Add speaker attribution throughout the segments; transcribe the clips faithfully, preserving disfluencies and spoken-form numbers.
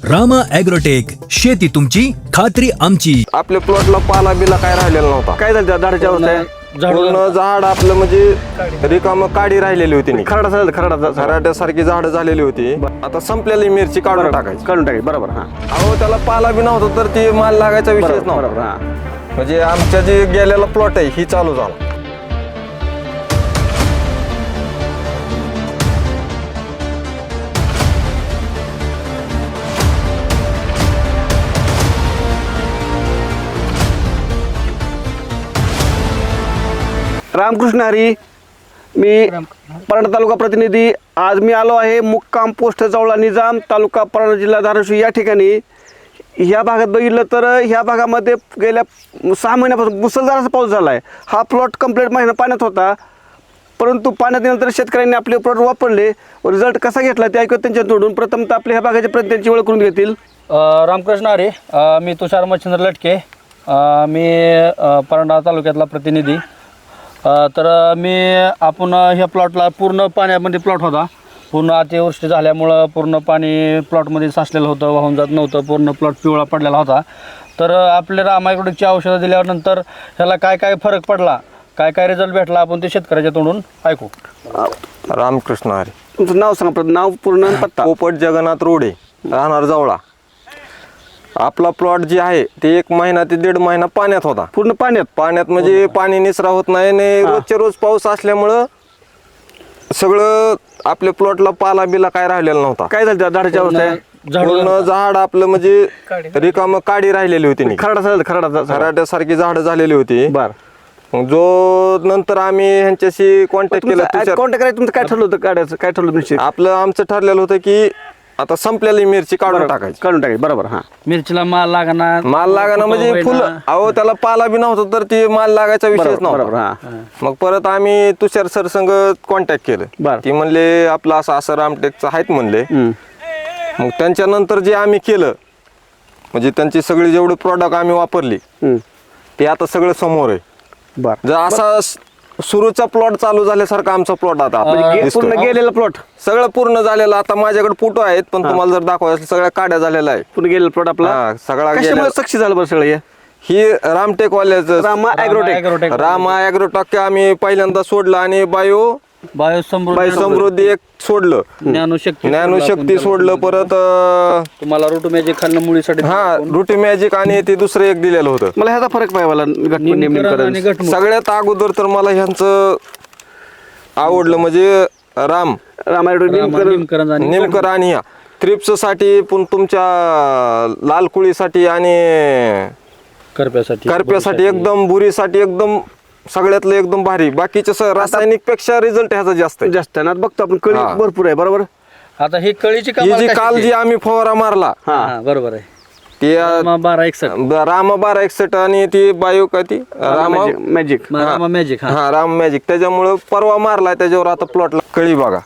Speaker 1: Rama agrotech, शेती तुमची खात्री आमची.
Speaker 2: आपल्या प्लॉटला पाला बिला काय राहिलेला नव्हता.
Speaker 3: काय झालं त्या झाडाच्या अवस्था?
Speaker 2: पूर्ण झाड आपलं म्हणजे रिकाम काडी राहिलेली होती नाही.
Speaker 3: खरडा झाला, खरडा
Speaker 2: खराट्यासारखी झाडं झालेली होती. आता संपलेली मिरची काढून टाकायची,
Speaker 3: काढून टाकायची. बरोबर. हा
Speaker 2: अहो त्याला पाला बी नव्हता तर ती माल लागायचा विषयच
Speaker 3: बरोबर.
Speaker 2: नव्हता.
Speaker 3: हा
Speaker 2: म्हणजे आमच्या जे गेलेला प्लॉट आहे ही चालू झाला.
Speaker 3: रामकृष्ण हरी, मी परंडा तालुका प्रतिनिधी. आज मी आलो आहे मुक्काम पोस्ट जवळा निजाम, तालुका परंडा, जिल्हा धाराशिव या ठिकाणी. ह्या भागात बघितलं तर ह्या भागामध्ये गेल्या सहा महिन्यापासून मुसळधार असा पाऊस झाला आहे. हा प्लॉट कंप्लीट महिना पाण्यात होता, परंतु पाण्यात नंतर शेतकऱ्यांनी आपले प्लॉट वापरले. रिझल्ट कसा घेतला ते ऐकत त्यांच्या तोडून. प्रथमतः आपल्या ह्या भागाच्या प्रतिनिधींची ओळख करून घेतील.
Speaker 4: रामकृष्ण हरी, मी तुषार मच्छिंद्र लटके, मी परंडा तालुक्यातला प्रतिनिधी. तर मी आपण ह्या प्लॉटला पूर्ण पाण्यामध्ये प्लॉट होता. पूर्ण अतिवृष्टी झाल्यामुळं पूर्ण पाणी प्लॉटमध्ये साचलेलं होतं, वाहून जात नव्हतं. पूर्ण प्लॉट पिवळा पडलेला होता. तर आपले रामा ॲग्रोटेकची औषधं दिल्यानंतर ह्याला काय काय फरक पडला, काय काय रिझल्ट भेटला, आपण ते शेतकऱ्याच्या तोंडून ऐकू.
Speaker 2: रामकृष्ण हरी.
Speaker 3: तुमचं नाव सांगा, प्रथम नाव पूर्ण आणि पत्ता.
Speaker 2: पोपट जगन्नाथ रोडे, राहणार जवळा. आपला प्लॉट जे आहे ते एक महिना ते दीड महिना पाण्यात होता.
Speaker 3: पूर्ण पाण्यात
Speaker 2: पाण्यात म्हणजे पाणी निचरा होत नाही आणि रोजच्या रोज पाऊस असल्यामुळं सगळं आपल्या प्लॉटला पाला बिला काय राहिलेला नव्हता.
Speaker 3: काय झालं त्या झाडाच्या अवस्था?
Speaker 2: पूर्ण झाड आपलं म्हणजे रिकाम काडी राहिलेली होती नाही.
Speaker 3: खरडा झाला, खरडा
Speaker 2: खराट्यासारखी झाडं झालेली होती.
Speaker 3: बर.
Speaker 2: मग जो नंतर आम्ही ह्यांच्याशी कॉन्टॅक्ट केला.
Speaker 3: कॉन्टॅक्ट करायचं तुमचं काय ठरलं होतं काढायचं? काय ठरलं तुमचं?
Speaker 2: आपलं आमचं ठरलेलं होतं की आता संपलेली मिरची काढून टाकायची,
Speaker 3: काढून टाकायची. बरोबर. हा
Speaker 4: मिरचीला माल लागणार,
Speaker 2: माल लागाना म्हणजे फुल. अहो त्याला पाला बी नव्हता तर ती माल लागायचा विषयच
Speaker 3: बरोबर.
Speaker 2: नव्हता.
Speaker 3: हा
Speaker 2: मग परत आम्ही तुषार सर संग कॉन्टॅक्ट केलं.
Speaker 3: बरं.
Speaker 2: ती म्हणले आपलं असं असं रामटेकचं आहेत म्हणले.
Speaker 3: हम्म.
Speaker 2: मग त्यांच्यानंतर जे आम्ही केलं म्हणजे त्यांची सगळी जेवढी प्रॉडक्ट आम्ही वापरली
Speaker 3: हम्म.
Speaker 2: ते आता सगळं समोर आहे.
Speaker 3: बर.
Speaker 2: जर असा सुरूचा प्लॉट चालू झाल्यासारखा आमचा प्लॉट आता
Speaker 3: गे-
Speaker 2: दिसतोय.
Speaker 3: पूर्ण गेलेला प्लॉट,
Speaker 2: सगळं पूर्ण झालेलं. आता माझ्याकडे फोटो आहेत पण तुम्हाला जर दाखवायचं सगळ्या काड्या झालेल्या आहे.
Speaker 3: पूर्ण गेलेला प्लॉट आपला.
Speaker 2: हा, सगळा
Speaker 3: कशामुळे
Speaker 2: गेलेला.
Speaker 3: सक्सेस झालं बरं सगळं हे?
Speaker 2: ही रामटेक वाल्याचं
Speaker 3: Rama Agrotech.
Speaker 4: Agrotech.
Speaker 2: Rama Agrotech आम्ही पहिल्यांदा सोडलं आणि बायो
Speaker 4: बायो समृद्धी,
Speaker 2: समृद्धी एक सोडलं,
Speaker 4: ज्ञानशक्ती
Speaker 2: ज्ञानशक्ती सोडलं. परत अं,
Speaker 4: तुम्हाला रूट मॅजिक खाल्लं मुळीसाठी.
Speaker 2: हा रुटी मॅजिक आणि ते दुसरं एक दिलेलं होतं.
Speaker 3: मला ह्याचा फरक पाहिजे मला घटमुट
Speaker 4: निमकरण
Speaker 3: निमकरण.
Speaker 4: आणि घटमुट.
Speaker 2: सगळ्यात अगोदर तर मला ह्यांचं आवडलं म्हणजे राम
Speaker 3: रामा ॲग्रोटेक निमकरण.
Speaker 4: निमकरण आणि
Speaker 2: नेमकं आणि ह्या थ्रिप्स साठी पण तुमच्या लाल कुळीसाठी आणि
Speaker 4: करप्यासाठी
Speaker 2: करप्यासाठी एकदम बुरीसाठी एकदम सगळ्यातलं एकदम भारी. बाकीच्या रासायनिक पेक्षा रिझल्ट ह्याचा जास्त आहे.
Speaker 3: जास्त आहे ना. बघतो आपण कळी
Speaker 2: हा.
Speaker 3: भरपूर आहे. बरोबर.
Speaker 4: आता ही कळीची
Speaker 2: ही जी काल जी आम्ही फवारा मारला
Speaker 4: हा बरोबर आहे.
Speaker 2: ती अं,
Speaker 4: रामा बारा एकसठ,
Speaker 2: रामा बारा एकसठ आणि ती बायो का ती रामा
Speaker 3: मॅजिक.
Speaker 4: रामा मॅजिक. हा
Speaker 2: हा राम मॅजिक त्याच्यामुळं परवा मारलाय त्याच्यावर आता प्लॉटला कळी बघा.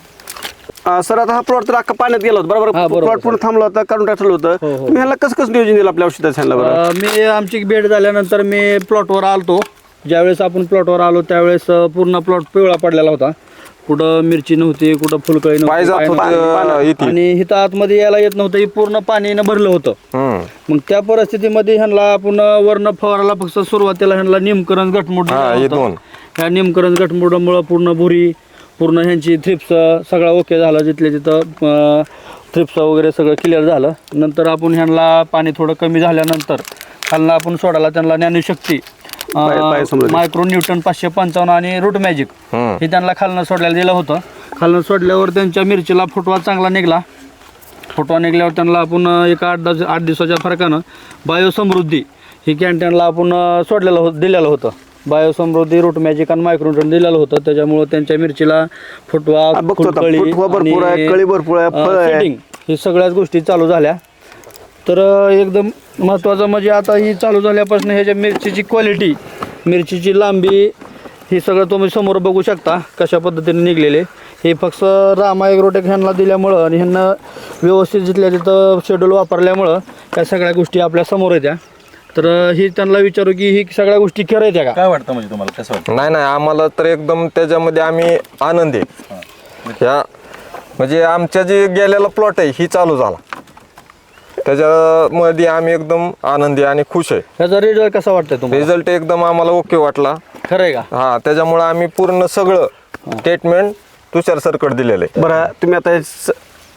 Speaker 3: सर आता हा प्लॉट तर अख्खा पाण्यात गेला होता.
Speaker 4: हा,
Speaker 3: बरोबर.
Speaker 4: बरोबर,
Speaker 3: प्लॉट पूर्ण थांबला होता, काढून टाकलं होतं.
Speaker 4: हो, हो.
Speaker 3: तुम्ही ह्याला कसं कसं नियोजन दिलं आपल्या औषधाचं ह्याला? बरोबर.
Speaker 4: अं, मी आमची भेट झाल्यानंतर मी प्लॉटवर आलतो. ज्यावेळेस आपण प्लॉटवर आलो त्यावेळेस अं, पूर्ण प्लॉट पिवळा पडलेला होता. कुठं मिरची नव्हती, कुठं फुलकळी
Speaker 2: पाय जात
Speaker 4: नव्हती,
Speaker 2: होतं,
Speaker 4: पाय नव्हतं.
Speaker 2: इथे.
Speaker 4: आणि इथं आतमध्ये यायला येत नव्हतं. ही पूर्ण पाणीनं भरलं होतं.
Speaker 2: हम्म
Speaker 4: मग त्या परिस्थितीमध्ये ह्यांना आपण वर्ण फवाराला फक्त सुरुवातीला ह्यांना निमकरण घटमुट
Speaker 2: हा, हे
Speaker 4: दिलं
Speaker 2: दोन.
Speaker 4: होतं. ह्या निमकरण घटमुटामुळं पूर्ण भुरी, पूर्ण ह्यांची थ्रिप्स सगळं ओके झालं. जिथल्या तिथं थ्रिप्स वगैरे सगळं क्लिअर झालं. नंतर आपण ह्यांना पाणी थोडं कमी झाल्यानंतर खालनं आपण सोडायला त्यांना Gyanshakti,
Speaker 3: bio- bio Samruddhi.
Speaker 4: Micro Newton पाचशे पंचावन्न आणि रूट मॅजिक
Speaker 2: हम्म.
Speaker 4: हे त्यांना खालनं सोडल्याला दिलं होतं. खालनं सोडल्यावर त्यांच्या मिरचीला फुटवा चांगला निघाला. फुटवा निघल्यावर त्यांना आपण एक आठ दस आठ दिवसाच्या फरकानं बायो समृद्धी ही कॅन्टीनला आपण सोडलेलं होतं दिलेलं होतं. बायो समृद्धी, रूट मॅजिक आणि मायक्रो न्यूटन दिलेलं होतं. त्याच्यामुळं त्यांच्या मिरचीला फुटवा,
Speaker 3: हा, बघतो आता.
Speaker 4: फुलकळी
Speaker 3: फुटवा भरपूर आहे, कळी भरपूर आहे, फळ आहे.
Speaker 4: सेटिंग ही सगळ्याच गोष्टी चालू झाल्या. तर अं, एकदम महत्त्वाचं म्हणजे आता ही चालू झाल्यापासून ह्याच्या मिरचीची क्वालिटी, मिरचीची लांबी ही सगळं तुम्ही समोर बघू शकता कशा पद्धतीने निघलेले. हे फक्त रामा ॲग्रोटेक ह्यांना दिल्यामुळं आणि ह्यांना व्यवस्थित जिथल्या तिथं शेड्यूल वापरल्यामुळं त्या सगळ्या गोष्टी आपल्या समोर येत्या. तर ही त्यांना विचारू की ही सगळ्या गोष्टी खरं येत्या का?
Speaker 5: काय वाटतं म्हणजे तुम्हाला कसं वाटतं?
Speaker 2: नाही नाही आम्हाला तर एकदम त्याच्यामध्ये आम्ही आनंद आहे. ह्या म्हणजे आमच्या जे गेलेला प्लॉट आहे ही चालू झाला. त्याच्यामध्ये आम्ही एकदम आनंदी आणि खुश आहे.
Speaker 4: ह्याचा रिझल्ट कसा वाटतंय तुम्हाला?
Speaker 2: रिझल्ट एकदम आम्हाला ओके वाटला.
Speaker 4: खरं आहे का?
Speaker 2: हा, त्याच्यामुळे आम्ही पूर्ण सगळं ट्रीटमेंट तुषार सरकट दिलेलं आहे.
Speaker 3: बरं तुम्ही आता हे स-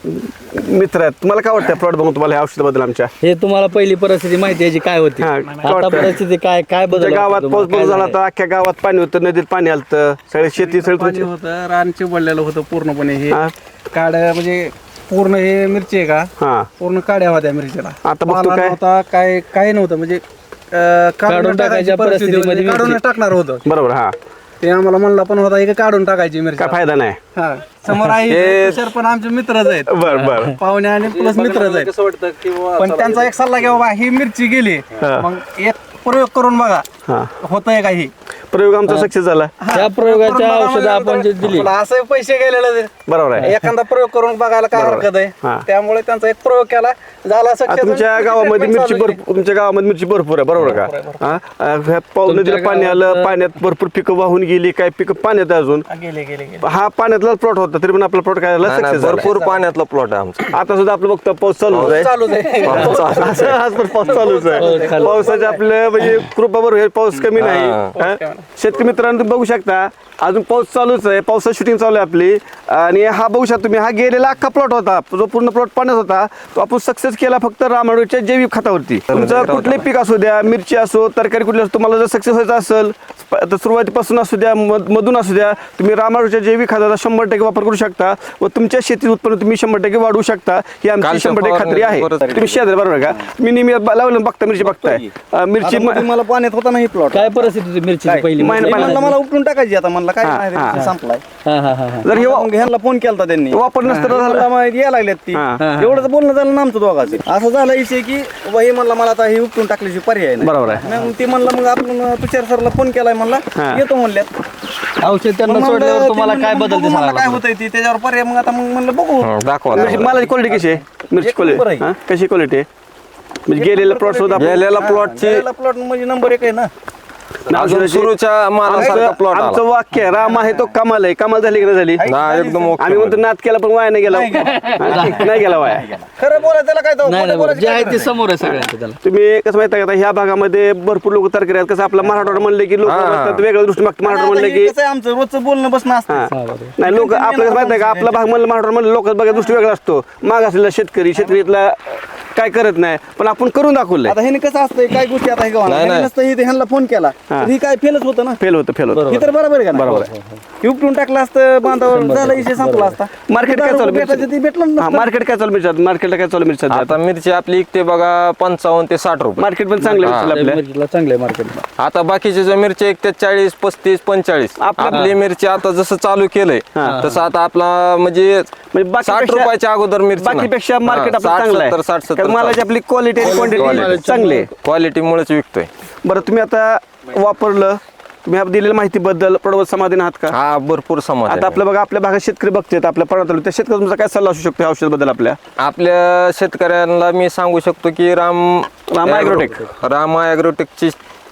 Speaker 3: मित्र आहेत, तुम्हाला काय वाटतं प्लॉट बघून तुम्हाला ह्या औषधाबद्दल आमच्या
Speaker 4: हे तुम्हाला पहिली परिस्थिती माहिती याची काय होती,
Speaker 3: हा, काय
Speaker 4: आता
Speaker 3: वाटतं?
Speaker 4: परिस्थिती काय काय
Speaker 3: तुमच्या
Speaker 4: बदल
Speaker 3: गावात
Speaker 4: वाटतो
Speaker 3: पाऊस
Speaker 4: तुम्हाला?
Speaker 3: बंद झाला
Speaker 4: काय
Speaker 3: तर अख्ख्या गावात पाणी होतं, नदीत पाणी आलतं, सगळे शेती सगळी
Speaker 5: पाणी
Speaker 3: तुमची
Speaker 5: होतं, रान चिबडलेलं होतं पूर्णपणे. हे
Speaker 3: हा.
Speaker 5: काड्या म्हणजे पूर्ण हे मिरची आहे का,
Speaker 3: हा
Speaker 5: पूर्ण काड्या होत्या मिरचीला.
Speaker 3: आता बघतो
Speaker 5: पाला
Speaker 3: काय?
Speaker 5: नव्हता, काय काय नव्हतं म्हणजे अं,
Speaker 4: काढून
Speaker 5: काढून
Speaker 4: टाकायच्या
Speaker 5: टाकायची परिस्थिती होती.
Speaker 4: परिस्थितीमध्ये
Speaker 5: काढून
Speaker 4: मिरची.
Speaker 5: टाकणार होतं
Speaker 3: बरोबर. हा
Speaker 5: ते आम्हाला म्हणला पण होता की काढून टाकायची मिरची.
Speaker 3: काय फायदा नाही.
Speaker 5: हा समोर आहे
Speaker 2: हे-
Speaker 5: तुषार पण आमचे मित्रच आहेत,
Speaker 3: बर बर
Speaker 5: पाहुणे आणि प्लस मित्रच आहेत. पण त्यांचा एक सल्ला घ्या बाबा, ही मिरची गेली मग एक प्रयोग करून बघा
Speaker 3: हा
Speaker 5: होतंय काही.
Speaker 3: प्रयोग आमचा सक्सेस झाला.
Speaker 4: त्या प्रयोगाच्या औषधं आपण जे दिली
Speaker 5: असं पैसे गेलेले
Speaker 3: बरोबर आहे.
Speaker 5: एखादा प्रयोग करून बघायला काय हरकत
Speaker 3: हा.
Speaker 5: आहे. त्यामुळे त्यांचा एक प्रयोग केला झाला
Speaker 3: आता
Speaker 5: success.
Speaker 3: तुमच्या
Speaker 5: आणि
Speaker 3: गावामध्ये
Speaker 5: treatment
Speaker 3: मिरची
Speaker 5: चालू आहे.
Speaker 3: भरपूर तुमच्या गावामध्ये मिरची भरपूर आहे बरोबर का? हा अं, ह्या पाऊस नदीला पाणी आलं, पाण्यात भरपूर पिकं वाहून गेली, काय पिकं पाण्यात आहे अजून.
Speaker 5: हा, गेले गेले गेले
Speaker 3: हा पाण्यातला प्लॉट होता तरी पण आपला प्लॉट काय झाला
Speaker 2: नाही, नाही,
Speaker 3: सक्सेस झाला.
Speaker 2: भरपूर पाण्यातला प्लॉट आहे आमचा.
Speaker 3: आता सुद्धा आपलं बघतो पाऊस चालूच आहे.
Speaker 5: चालूच आहे.
Speaker 3: असं आज पण पाऊस चालूच आहे.
Speaker 4: पाऊस चालू.
Speaker 3: पावसाचे आपलं म्हणजे कृपा बरोबर आहे, पाऊस कमी नाही.
Speaker 2: हा.
Speaker 3: हा? शेतकरी मित्रांनो तुम्ही बघू शकता अजून पाऊस चालूच आहे, पावसाची शूटिंग चालू आहे आपली. आणि हा बघू शकता तुम्ही, हा गेलेला अख्खा प्लॉट होता, जो पूर्ण प्लॉट पाण्यात होता तो आपण सक्सेस केला फक्त रामाडूच्या जैविक खतावरती. तुमचं कुठलंही पीक असू द्या, मिरची असो, तरकारी कुठली असो, तुम्हाला जर सक्सेस व्हायचं असेल तर सुरुवातीपासून असू द्या, मध- मधून असू द्या, तुम्ही रामाडूच्या जैविक खताचा शंभर टक्के वापर करू शकता व तुमच्या शेतीत उत्पन्न तुम्ही शंभर टक्के वाढवू शकता. ही आमची
Speaker 2: कालच्या
Speaker 3: शंभर टक्के खात्री आहे.
Speaker 2: फवारणी
Speaker 3: तुम्ही शेतात बरोबर का? मी नेहमी लावलं बघता मिरची बघताय अं, मिरची
Speaker 5: मला पाण्यात होता नाही प्लॉट.
Speaker 4: काय परिस्थिती होती मिरचीची पहिली?
Speaker 3: महिना-
Speaker 4: म्हणजे-
Speaker 3: महिना-
Speaker 5: मला उपटून टाकायची आता म्हणलं काय
Speaker 3: हा,
Speaker 5: नाही
Speaker 3: हा.
Speaker 5: रे, संपलाय.
Speaker 4: हा हा हा हा.
Speaker 3: जर हे वा-
Speaker 5: मग ह्यांना फोन केलता त्यांनी,
Speaker 3: वापर नसतं तर
Speaker 5: म्हणलं
Speaker 3: झालं.
Speaker 5: मग यायला लागल्यात ती.
Speaker 3: हा.
Speaker 5: एवढंच बोलणं झालं ना आमचं दोघांचं. असं झालं विषय की बाबा हे म्हणलं मला आता हे उपटून टाकल्याची पर्याय नाही.
Speaker 3: बरोबर आहे.
Speaker 5: मग ती म्हणलं मग आपण तुषार सरला फोन केलाय म्हणला
Speaker 3: हा.
Speaker 5: येतो म्हणल्यात.
Speaker 4: औषध त्यांना
Speaker 5: मग
Speaker 4: सोडल्यावर
Speaker 5: म्हणलं,
Speaker 4: तुम्हाला
Speaker 5: ती
Speaker 4: काय
Speaker 5: म्हणलं,
Speaker 4: बदल
Speaker 5: बघू म्हणलं काय
Speaker 4: दिसला?
Speaker 5: होतंय ती त्याच्यावर पर्याय. मग आता मग म्हणलं बघू.
Speaker 2: हं, दाखवा
Speaker 3: मिरची
Speaker 2: ना.
Speaker 3: मालाची क्वालिटी कशी आहे? मिरची
Speaker 5: एक नंबर
Speaker 3: क्वालिटी
Speaker 5: आहे.
Speaker 3: कशी क्वालिटी आहे? म्हणजे गेलेला प्लॉट सुद्धा आपण-
Speaker 2: गेलेला प्लॉटची
Speaker 5: प्लॉट म्हणजे नंबर एक आहे ना.
Speaker 2: अजून सुरूच्या मालासारखा
Speaker 3: आमचं
Speaker 2: प्लॉट
Speaker 3: आमचं
Speaker 2: आला.
Speaker 3: वाक्य आहे, राम आहे तो कमाल आहे. कमाल झाली की नाही झाली?
Speaker 2: ना एकदम ओके.
Speaker 3: आम्ही म्हणतो नाद केला पण वाया नाही गेला. नाही गेला वाया.
Speaker 5: खरं बोलायचं त्याला काय तो
Speaker 4: नाही
Speaker 5: खोटं
Speaker 4: नाही
Speaker 5: बोलायचं
Speaker 4: जे
Speaker 5: काय
Speaker 4: आहे
Speaker 5: गरज
Speaker 4: ते
Speaker 5: नाही.
Speaker 4: समोर आहे सगळ्यांचं त्याला.
Speaker 3: तुम्ही कसं माहिती आहे का, ह्या भागामध्ये भरपूर लोक तरकारी आहेत. कसं आपला मराठवाडा म्हणले की लोक
Speaker 2: हा.
Speaker 3: वेगळ्या दृष्टी मागतात. मराठवाडा म्हणले
Speaker 5: आता
Speaker 3: की
Speaker 5: हे कसं आहे आमचं रोजचं बोलणं बसणं असतं.
Speaker 3: हा. नाही लोक आपलं कसं माहिती आहे का, आपला भाग म्हणलं मराठवाडा म्हणलं लोक बघा दृष्टी वेगळा असतो. माग असलेला शेतकरी शेतकरीतला काय करत नाही पण आपण करून दाखवलंय.
Speaker 5: आता हे कसं असतंय काय गोष्टी आता हे
Speaker 2: नाही,
Speaker 5: गावाला
Speaker 2: नाही.
Speaker 5: नसतं हे ह्यांना फोन केला
Speaker 3: हा.
Speaker 5: तर ही काय फेलच होतं ना.
Speaker 3: फेल होतं फेल होतं.
Speaker 5: हे तर बरोबर आहे का नाही?
Speaker 3: बरोबर आहे.
Speaker 5: हे उपटून टाकलं असतं बांधावर झाला विषय संपला असता.
Speaker 3: मार्केट काय चालू
Speaker 5: भेटायचं ते भेटलं
Speaker 3: हा,
Speaker 5: नसतं.
Speaker 3: मार्केट काय चालू मिरची मार्केटला काय चालू मिरची
Speaker 2: आता मिरची आपली इकते बघा पंचावन्न ते साठ रुपये.
Speaker 3: मार्केट पण चांगलं आहे
Speaker 2: हा.
Speaker 3: मिरचीला आपल्या.
Speaker 4: मिरचीला चांगलं आहे मार्केटला.
Speaker 2: आता बाकीचे जे मिरची एक ते चाळीस पस्तीस पंचेचाळीस.
Speaker 3: आपल्या-
Speaker 2: आपली मिरची आता जसं चालू केलंय
Speaker 3: हा.
Speaker 2: तसं आता आपला म्हणजे
Speaker 3: म्हणजे
Speaker 2: साठ
Speaker 3: बाकीपेक्षा-
Speaker 2: रुपयाच्या अगोदर मिरची नाही.
Speaker 3: बाकीपेक्षा मार्केट
Speaker 2: हा,
Speaker 3: आपलं
Speaker 2: साठ
Speaker 3: चांगलं
Speaker 2: सत्तर
Speaker 3: आहे.
Speaker 2: साठ
Speaker 3: कारण मालाची
Speaker 2: सत्तर
Speaker 3: आपली क्वालिटी आणि क्वांटिटी चांगली आहे.
Speaker 2: क्वालिटीमुळेच विकतोय.
Speaker 3: बरं तुम्ही आता वापरलं, तुम्ही आप दिलेल्या माहितीबद्दल प्रडवत समाधान आहात का?
Speaker 2: हा भरपूर समाज
Speaker 3: आता आपल्या बघा आपल्या भागात शेतकरी बघतात आपल्या पर्वताला, त्या शेतकरी तुमचा काय सल्ला असू शकतो या औषधाबद्दल आपल्या?
Speaker 2: आपल्या शेतकऱ्यांना मी सांगू शकतो की राम
Speaker 3: रामा ॲग्रोटेक.
Speaker 2: रामा ॲग्रोटेकची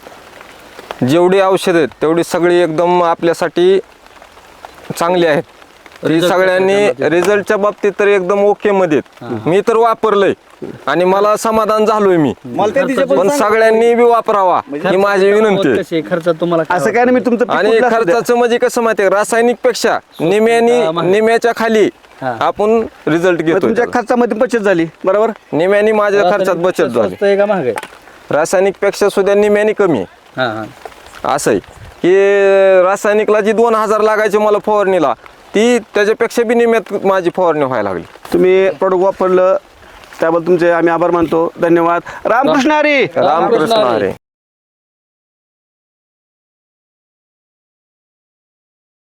Speaker 2: जेवढी औषध आहेत तेवढी सगळी एकदम आपल्यासाठी चांगली आहेत. ती
Speaker 4: Result
Speaker 2: सगळ्यांनी रिझल्टच्या बाबतीत तर एकदम ओके मध्ये आहेत. मी तर वापरलंय आणि मला समाधान झालोय मी.
Speaker 5: मला त्या दिवशी
Speaker 2: पण सगळ्यांनी बी वापरावा ही माझी विनंती आहे.
Speaker 4: कशी खर्चात तुम्हाला काय
Speaker 3: असं काय नाही, मी तुमचं पीक
Speaker 2: आणि
Speaker 3: कुठलं असू द्या.
Speaker 2: खर्चाचं म्हणजे कसं माहितीये रासायनिक पेक्षा निम्यानी निम्याच्या खाली
Speaker 4: हा.
Speaker 2: आपण रिझल्ट
Speaker 3: मग
Speaker 2: घेतो.
Speaker 3: तुमच्या खर्चामध्ये बचत झाली बरोबर.
Speaker 2: निम्यानी माझ्या खर्चात बचत झाली.
Speaker 4: स्वस्त आहे का महाग आहे?
Speaker 2: रासायनिक पेक्षा सुद्धा निम्यानी कमी आहे.
Speaker 4: हा हा.
Speaker 2: असं आहे की रासायनिकला जी दोन हजार लागायचे मला फवारणीला ती त्याच्यापेक्षा बी निम्यात माझी फवारणी व्हायला लागली.
Speaker 3: तुम्ही प्रॉडक्ट वापरलं त्याबद्दल तुमचे आम्ही आभार मानतो. धन्यवाद. रामकृष्ण हरी.
Speaker 2: रामकृष्ण हरी.